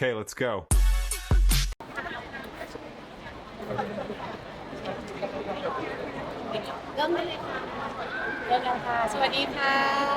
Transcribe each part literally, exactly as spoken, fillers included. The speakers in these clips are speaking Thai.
Okay, let's go. เริ่มได้เลยค่ะเริ่มแล้วค่ะ สวัสดีค่ะ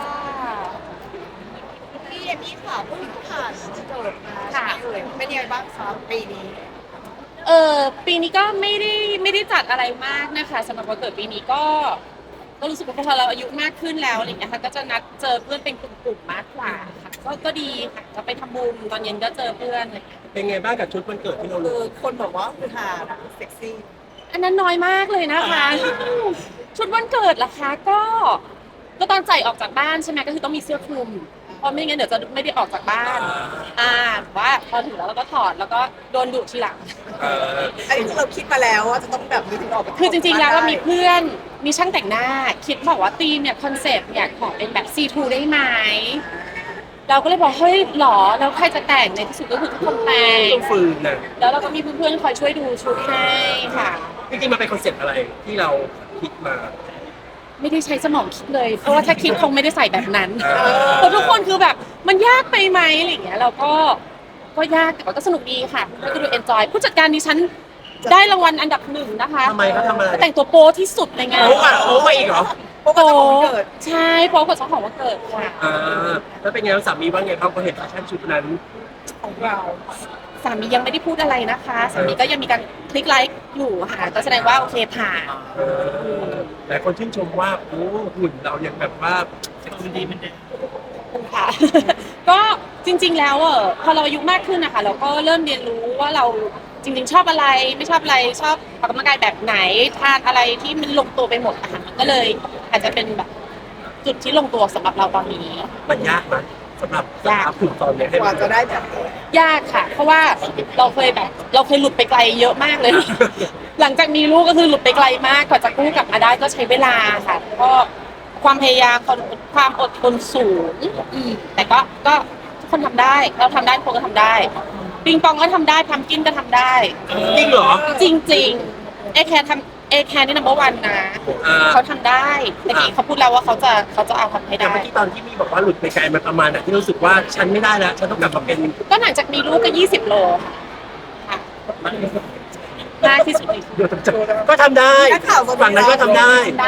พี่เอมี่ค่ะผู้หญิงผ่านเกิดมาค่ะเอ่ยเป็นยังไงบ้างคะปีนี้เออปีนี้ก็ไม่ได้ไม่ได้จัดอะไรมากนะคะสำหรับวันเกิดปีนี้ก็ก็รู้สึกว่าพอเราอายุมากขึ้นแล้วอะไรอย่างเงี้ยค่ะก็จะนัดเจอเพื่อนเป็นกลุ่มๆมากกว่าค่ะก็ก็ดีค่ะจะไปทำบุญตอนเย็นก็เจอเพื่อนอะไรอย่างเงี้ยเป็นไงบ้างกับชุดวันเกิดที่เราคืรู้อคนบอกว่าคือหาเซ็กซี่อันนั้นน้อยมากเลยนะคะ ชุดวันเกิดล่ะคะก็ก็ตอนใส่ออกจากบ้านใช่ไหมก็คือต้องมีเสื้อคลุมเพราะไม่งั้นเดี๋ยวจะไม่ได้ออกจากบ้านอ่าว่าพอถึงแล้วเราก็ถอดแล้วก็โดนดุทีหลังเอออันนี้คือเราคิดมาแล้วว่าจะต้องแบบนี้ถึงออกไปคือจริงๆแล้วเรามีเพื่อนมีช่างแต่งหน้า คิดบอกว่าธีมเนี่ยคอนเซปต์เนี่ยขอเป็นแบบ ซี ทู ได้ไหมเราก็เลยบอกเฮ้ยหรอแล้วใครจะแต่งในที่สุดก็คือทุกคนแต่งต้องฟืนนะแล้วเราก็มีเพื่อนๆคอยช่วยดูชุดให้ค่ะจริงๆมันเป็นคอนเซ็ปต์อะไรที่เราคิดมาไม่ได้ใช้สมองคิดเลย เพราะว่าถ้าคิดคงไม่ได้ใส่แบบนั้นเออเพราะทุกคนคือแบบมันยากไปไหมอะไรอย่างเงี้ยเราก็ก็ยากแต่ว่าก็สนุกดีค่ะเพื่อนก็ดูเอนจอยผู้จัดการดิฉันได้รางวัลอันดับหนึ่งนะคะทำไมเขาทำอะไรแต่งตัวโป๊ที่สุดในงานโอ้อะโอ้มาอีกเหรอเพราะว่าเจ้าของเกิดใช่โป๊กว่าเจ้าของวันเกิดค่ะอ่าแล้วเป็นไงบ้างสามีว่าไงบ้างพอเห็นแฟชั่นชุดนั้นของเราสามียังไม่ได้พูดอะไรนะคะสามีก็ยังมีการคลิกไลค์อยู่ค่ะก็แสดงว่าโอเคผ่านเออหลายคนชื่นชมว่าโอ้หุ่นเรายังแบบว่าเซ็กซี่ดีเหมือนเดิมค่ะ ก็จริงๆแล้วเออพอเราอายุมากขึ้นนะคะเราก็เริ่มเรียนรู้ว่าเราจริงๆชอบอะไรไม่ชอบอะไรชอบออกกำลังกายแบบไหนทานอะไรที่มันลงตัวไปหมดอะค่ะมันก็เลยอาจจะเป็นแบบจุดที่ลงตัวสำหรับเราตอนนี้มันยากไหมสำหรับสภาพหุ่นตอนเนี้ยให้กมัว่าน จะได้แบบยากค่ะ เพราะว่าเราเคยแบบ เราเคยหลุดไปไกลเยอะมากเลย หลังจากมีลูกก็คือหลุดไปไกลมากกว่าจะกู้กลับมาได้ก็ใช้เวลาค่ะก็ความพยายามความความอดทนสูงอืมแต่ก็ก็ทุกคนทำได้ เราทำได้ทุกคนก็ทำได้ปิงปองก็ทำได้พัมกินก็ทำได้จริงเหรอจริงๆเอแคร์ทำเอแคร์นี่นัมเบอร์วันนะอ่าเขาทำได้แต่กี้เขาพูดแล้วว่าเขาจะเขาจะเอาทำให้แต่ได้เมื่อกี้ตอนที่มีบอกว่าหลุดไปไกลมันประมาณไหนที่รู้สึกว่าฉันไม่ได้แล้ว ฉันต้องกลับมาเป็นก็หลังจากมีลูกก็ยี่สิบโลค่ะมากที่สุดในชีวิตเดี๋ยวจะก็ทำได้นักข่าวสฝั่งนั้นก็ทำได้ได้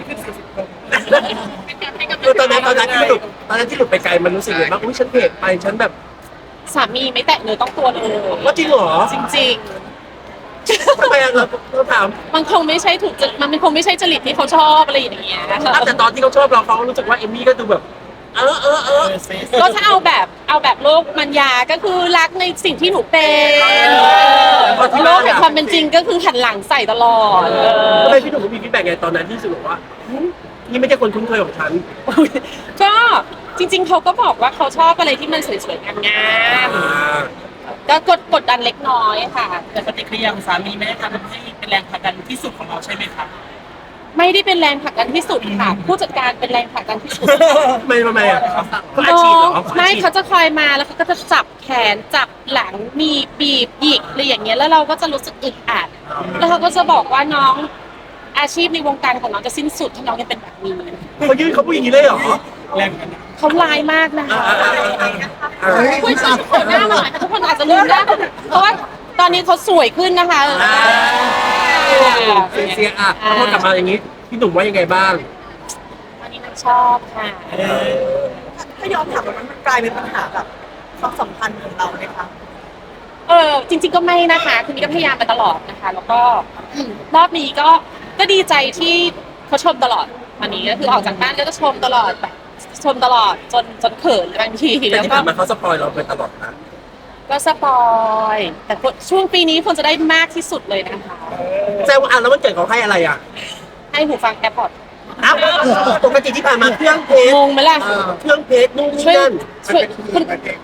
คือตอนนั้นตอนนั้นที่หลุดตอนนั้นที่หลุดไปไกลมันรู้สึกยังไงบ้างอุ้ยฉันเพจไปฉันแบบสามีไม่แตะเนื้อต้องตัวเลยว่าจริงเหรอจริงทำไมอะเราเราถามๆ มันคงไม่ใช่ถูกจริตมันคงไม่ใช่จริตที่เขาชอบอะไรอย่างเงี้ยอ่ะแต่ตอนที่เขาชอบเราเขารู้สึกว่าเอมมี่ก็ดูแบบ เออเออเออก็ถ้าเอาแบบเอาแบบโลกมันยาก็คือรักในสิ่งที่หนูเป็นโลกแห่งความเป็นจริงก็คือหันหลังใส่ตลอดทำไมพี่หนุ่มมีฟีดแบ็กไงตอนนั้นที่รู้สึกว่าหึนี่ไม่ใช่คนคุ้นเคยของฉันก็จริง ๆเขาก็บอกว่าเขาชอบอะไรที่มันสวยๆงามอ่าๆก็กดกดดันเล็กน้อยค่ะแต่ปฏิกิริยาของสามีไม่ได้ทำให้เป็นแรงผลักดันที่สุดของเราใช่ไหมครับไม่ได้เป็นแรงผลักดันที่สุดค่ะ ผู้จัดการเป็นแรงผลักดันที่สุดไม่ทำไมอ่ะเขาอาน้ชีพอเหรง อไม่อาชีพเขาจะคอยมาแล้วเขาก็จะจับแขนจับหลังมีบีบหยิกอะไรอย่างเงี้ยแล้วเราก็จะรู้สึกอึดอัดแล้วเขาก็จะบอกว่าน้องอาชีพในวงการของน้องจะสิ้นสุดถ้าน้องยังเป็นแบบนี้เขายื่นเขาพูดอย่างนี้เลยเหรอแรงผลักดันเขาลายมากนะคะอ่าอ่าอ่าอ่าคุยกันเปิดหน้ามาหน่อยค่ะทุกคนอาจจะลืมได้เพราะว่าตอนนี้เขาสวยขึ้นนะคะอ่าเสียเสียอ่ะพอพูดกลับมาอย่างนี้พี่หนุ่มว่ายังไงบ้างอันนี้มันชอบค่ะถ้ายอมถามว่ามันกลายเป็นปัญหาแบบความสัมพันธ์ของเราไหมคะเออจริง ๆก็ไม่นะคะคือนี่ก็พยายามมาตลอดนะคะ แล้วก็อืมรอบนี้ก็ก็ดีใจที่เขาชมตลอดวันนี้ก็คือออกจากบ้านก็จะชมตลอดแบบชมตลอดจนจนเขินบางทีแต่แล้วที่ก็ผ่านมาเขาสปอยเราไปตลอดนะก็สปอยแต่ช่วงปีนี้ควรจะได้มากที่สุดเลยนะคะแสดงว่าอ่ะแล้วมันเกิดเขาให้อะไรอ่ะให้หูฟังแอร์พอร์ตอ้าวปกติที่ผ่านมาเครื่องเพชรงงไหมล่ะเอ่อเครื่องเพชรนู่นนี่ช่วยนั่นช่วยคุณ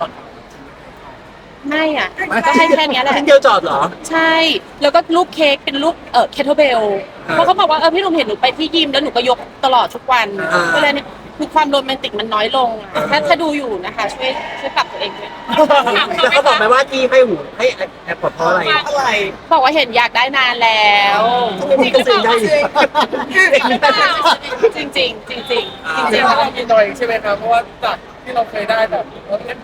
ไม่อ่ะก็ให้แค่เนี้ยแหละชิ้นเดียวจอดเหรอใช่ แล้วก็รูปเค้กเป็นรูปเอ่อเคทเบลอ่าเพราะเขาบอกว่าเออพี่หนุ่มเห็นหนูไปที่ยิมแล้วหนูก็ยกตลอดทุกวันอ่าก็เลยเนี่ยคือความโรแมนติกมันน้อยลงอะถ้าถ้าดูอยู่นะคะ ช่วยช่วยปรับตัวเองด้วยแล้วเขาบอกไหมว่าที่ให้หูให้แอปพอร์ตเพราะอะไรอะไรบอกว่าเห็นอยากได้นานแล้วมีก็ซื้อได้ดิจริงจริงๆจริงๆจริงๆจริงอ่าๆเรามีหน่อยใช่ไหมครับ เพราะว่าจากที่เราเคยได้แบบเราเล่นพูดที่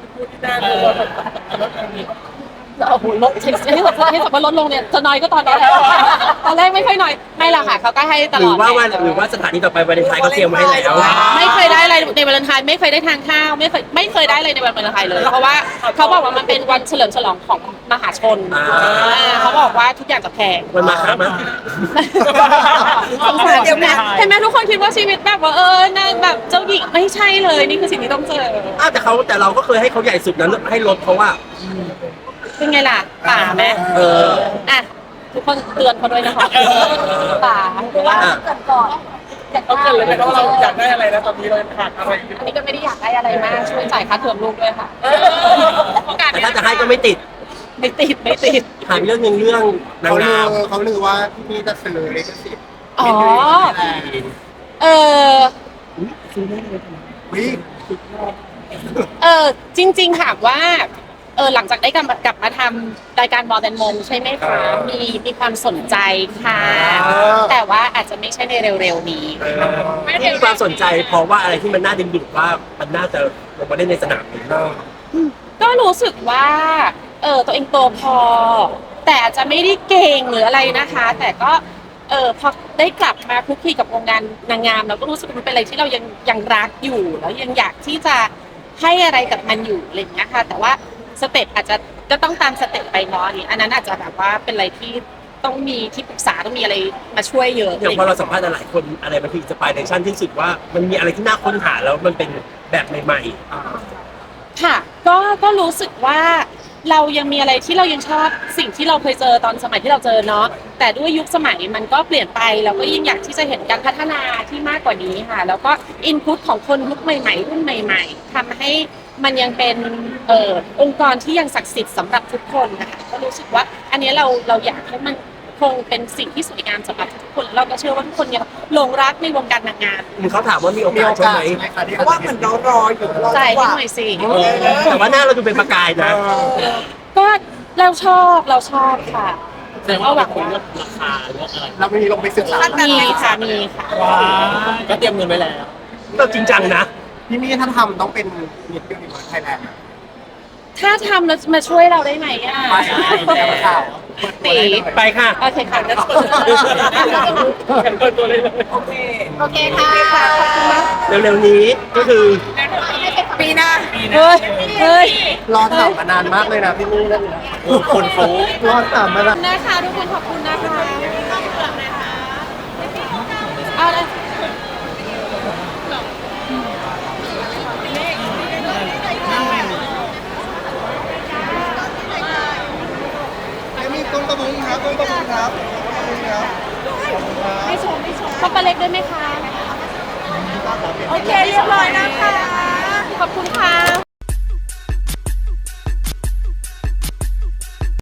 หน้าเลยว่าลดตรงนี้โอ้โหลดให้ให้สัมให้สัมภาระลดลงเนี่ยจะน้อยก็ตอนนี้ตอนแรกไม่ค่อยน้อยไม่หรอกค่ะเขาก็ให้ตหลรืออดว่าวันแหละหรือว่าสถานีต่อไปวันเลนไทน์เขาเตรียมไว้ให้แล้วไม่เคยได้อะไรในวันวาเลนไทน์ไม่เคยได้ทานข้าวไม่เคยไม่เคยได้เลยในวันวาเลนไทน์เลย เพราะว่าเขาบอกว่ามันเป็นวันเฉลิมฉลองของมหาชนอ่าอ่าเขาบอกว่าทุกอย่างจะแพงมันมาครับมั้ยสงสารเดี๋ยวนะเห็นไหมทุกคนคิดว่าชีวิตแบบว่าเออนางแบบเจ้าหญิงไม่ใช่เลยนี่คือสิ่งที่ต้องเจออ้าวแต่เขาแต่เราก็เคยให้เขาใหญ่สุดนั้นให้ลดเพราะว่าเป็นไงล่ะป่าไหมเอออ่ะทุกคนเตือนเขาด้วยนะคะป่าหรือว่าอ่ะเกิดก่อนเขาเกิดเลยนะว่าเราอยากได้อะไรนะตอนนี้เราขาดอะไรอยู่อันนี้ก็ไม่ได้อยากได้อะไรมากช่วยจ่ายค่าเทอมลูกด้วยค่ะแต่ถ้าจะให้ก็ไม่ติดไม่ติดไม่ติดถามเรื่องหนึงเรื่องนางเขาลืงาอมเขาลือว่าที่นี่จะซื้อลิขสิทธิ์อ๋อเออวิเออจริงๆถามว่าเออหลังจากได้กลับมากลับมาทำรายการบอลแตนมงใช่ไหมคะมีมีความสนใจค่ะ แต่ว่าอาจจะไม่ใช่ในเร็วๆนี้ที่มีความสนใจเพราะว่าอะไรที่มันน่าดึงดูดว่ามันน่าจะลงมาเล่นในสนามนี้ก็รู้สึกว่าเออตัวเองโตพอ แต่อาจจะไม่ได้เก่งหรืออะไรนะคะ แต่ก็เออพอได้กลับมาคลุกคลีกับวงการนางงามเราก็รู้สึกว่ามันเป็นอะไรที่เรายังยังรักอยู่แล้วยังอยากที่จะให้อะไรกับมันอยู่อะไรอย่างเงี้ยค่ะแต่ว่าสเต็ปอาจจะก็ต้องตามสเต็ปไปเนาะอันนี้อันนั้นอาจจะแบบว่าเป็นอะไรที่ต้องมีที่ปรึกษาต้องมีอะไรมาช่วยเยอะอย่างพอเราสัมภาษณ์หลายคนอะไรมันคืออินสปิเรชันที่สุดว่ามันมีอะไรที่น่าค้นหาแล้วมันเป็นแบบใหม่ค่ะก็ก็รู้สึกว่าเรายังมีอะไรที่เรายังชอบสิ่งที่เราเคยเจอตอนสมัยที่เราเจอเนาะแต่ด้วยยุคสมัยมันก็เปลี่ยนไปเราก็ยิ่งอยากที่จะเห็นการพัฒนาที่มากกว่านี้ค่ะ แล้วก็อินพุตของคนยุคใหม่ๆรุ่นใหม่ ๆทำให้มันยังเป็นเอ่อองค์กรที่ยังศักดิ์สิทธิ์สำหรับทุกคนนะคะก็รู้สึกว่าอันนี้เราเราอยากให้มันคงเป็นสิ่งที่สวยงามสำหรับทุกคนเราก็เชื่อว่าทุกคนยังหลงรักในวงการนางงามๆเขาถามว่ามีโอมีกาโอสใช่กาไหสมใช่ไหมคะที่เพราะว่าเหมือนเรารออยู่รอใจจังหให้วะหน่อยสิแต่ว่าหน้าเราดูเป็นประกายนะก็เราชอบเราชอบค่ะแสดงว่าเราคุยเรื่องราคาเรื่องอะไรเราไม่มีลงไปศึกษามีค่ะมีค่ะว้าก็เตรียมเงินไว้แล้วเราจริงจังนะพี่มี่ถ้าทำต้องเป็นมิสยูนิเวิร์สไทยแลนด์ถ้าทำแล้วมาช่วยเราได้ไหมอ่ะไปแก้ข่าวเปิดตัวตีได้เลยไปค่ะโอเคค่ะงั้นกันเปิดตัวเลยเลยโอเคโอเคค่ะขอบคุณมากเร็วๆนี้ก็คือปีหน้าเฮ้ยเฮ้ยรอถามมานานมากเลยนะพี่มี่นั่นเนี่ยคนเขารอถามมานานนะคะทุกคนขอบคุณนะคะเอาเลยมีต้นตะบุงครับต้นตะบุงครับตะบุงครับไม่ชมไม่ชมข้าวปลาเล็กด้วยไหมคะโอเคเรียบร้อยนะคะขอบคุณค่ะ